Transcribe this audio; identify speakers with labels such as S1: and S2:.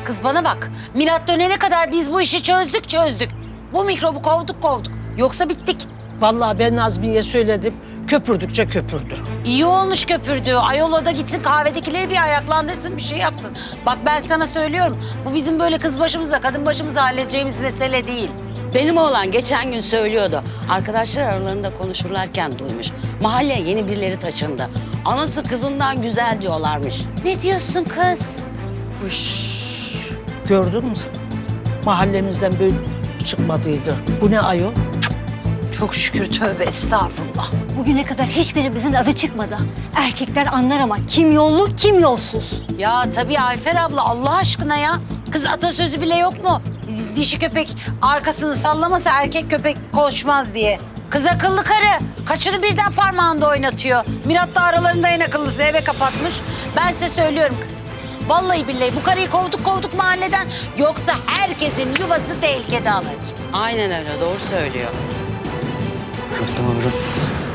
S1: Kız bana bak. Milat dönene kadar biz bu işi çözdük. Bu mikrobu kovduk. Yoksa bittik.
S2: Vallahi ben Nazmiye'ye söyledim. Köpürdükçe köpürdü.
S1: İyi olmuş köpürdü. Ayol o da gitsin kahvedekileri bir ayaklandırsın, bir şey yapsın. Bak ben sana söylüyorum. Bu bizim böyle kız başımıza, kadın başımıza halledeceğimiz mesele değil.
S3: Benim oğlan geçen gün söylüyordu. Arkadaşlar aralarında konuşurlarken duymuş. Mahalleye yeni birileri taşındı. Anası kızından güzel diyorlarmış.
S1: Ne diyorsun kız?
S2: Fış. Gördün mü? Mahallemizden böyle çıkmadıydı. Bu ne ayol?
S1: Çok şükür, tövbe estağfurullah.
S4: Bugüne kadar hiçbirimizin adı çıkmadı. Erkekler anlar ama kim yollu kim yolsuz.
S1: Ya tabii Ayfer abla, Allah aşkına ya. Kız atasözü bile yok mu? Dişi köpek arkasını sallamasa erkek köpek koşmaz diye. Kız akıllı karı. Kaçını birden parmağında oynatıyor. Mirat da aralarında en akıllısı, eve kapatmış. Ben size söylüyorum kız. Vallahi billahi bu karıyı kovduk mahalleden. Yoksa herkesin yuvası tehlikede anacığım.
S3: Aynen öyle, doğru söylüyor.
S5: Tamam.